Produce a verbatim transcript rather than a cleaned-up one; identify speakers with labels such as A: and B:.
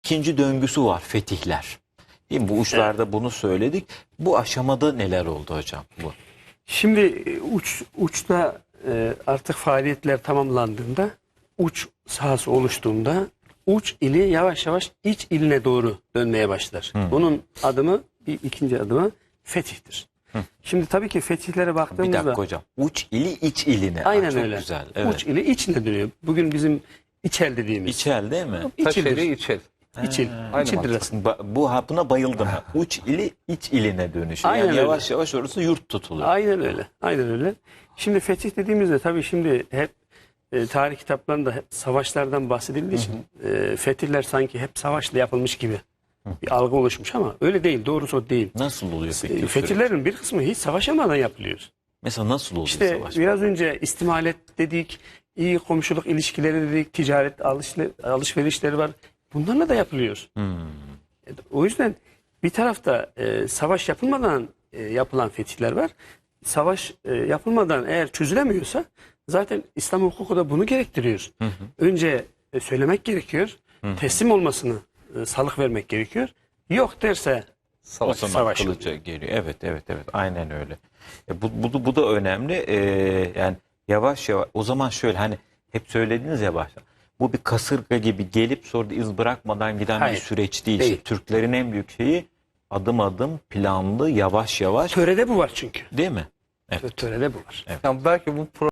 A: ikinci döngüsü var, fetihler. Değil mi? Bu uçlarda evet. bunu söyledik. Bu aşamada neler oldu hocam? Bu.
B: Şimdi uç uçta e, artık faaliyetler tamamlandığında, uç sahası oluştuğunda uç ili yavaş yavaş iç iline doğru dönmeye başlar. Hmm. Bunun adımı, bir ikinci adımı fetihtir. Hı. Şimdi tabii ki fetihlere baktığımızda...
A: Bir dakika hocam. Uç ili iç iline.
B: Aynen
A: çok
B: öyle.
A: Güzel. Evet.
B: Uç ili içine dönüyor. Bugün bizim içel dediğimiz.
A: İçel değil mi?
C: Taşeli içel.
B: İçil. İçildir aslında.
A: Bu buna bayıldım. Uç ili iç iline dönüşüyor.
B: Aynen
A: yani yavaş
B: öyle.
A: yavaş orası yurt tutuluyor.
B: Aynen öyle. Aynen öyle. Şimdi fetih dediğimizde tabii şimdi hep e, tarih kitaplarında hep savaşlardan bahsedildiği için hı hı. E, fetihler sanki hep savaşla yapılmış gibi bir algı oluşmuş ama öyle değil. Doğrusu o değil.
A: Nasıl oluyor fetih?
B: E, fetihlerin bir kısmı hiç savaşamadan yapılıyor.
A: Mesela nasıl oluyor
B: işte
A: savaş?
B: İşte biraz önce istimalet dedik, iyi komşuluk ilişkileri dedik, ticaret alışverişleri var. Bunlarla da yapılıyor. Hmm. O yüzden bir tarafta e, savaş yapılmadan e, yapılan fetihler var. Savaş e, yapılmadan eğer çözülemiyorsa zaten İslam hukuku da bunu gerektiriyor. Hı hı. Önce e, söylemek gerekiyor. Hı hı. Teslim olmasını e, salık vermek gerekiyor. Yok derse
A: savaş, savaş geliyor. Evet evet evet aynen öyle. E, bu, bu, bu da önemli. E, yani yavaş yavaş o zaman şöyle hani hep söylediniz ya başta. Bu bir kasırga gibi gelip sonra da iz bırakmadan giden Hayır, bir süreç değil. değil. İşte Türklerin en büyük şeyi adım adım planlı yavaş yavaş.
B: Törede bu var çünkü.
A: Değil mi?
B: Evet. Törede bu var.
C: Evet. Yani belki bu